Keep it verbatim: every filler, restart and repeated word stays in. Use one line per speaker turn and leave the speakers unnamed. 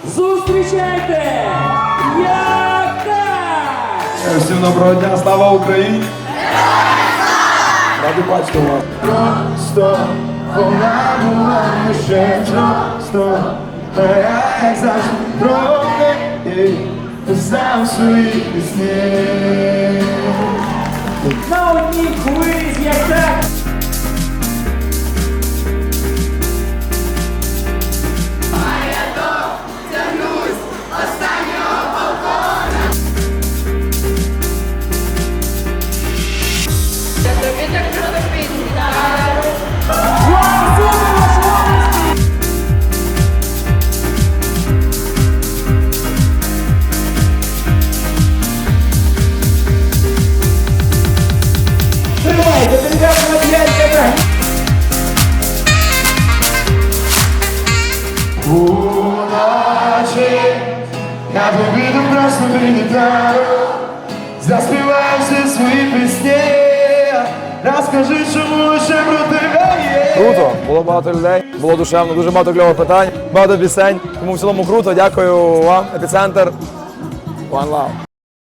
Зустрічайте! Як так!
Всім доброго дня, слава Україні! Раді бачити вас. Просто вона була ще просто, а я як завжди трохи і писав свої пісні.
На одній хвилі з як так! Тримайте, ребята, на п'ять тебе!
Уночі я побіду просто прилітаю, заспіваю всі свої пісні, розкажи, чому лише про тебе є.
Круто, було багато людей, було душевно, дуже багато кльових питань, багато пісень. Тому в цілому круто, дякую вам, Епіцентр. One love.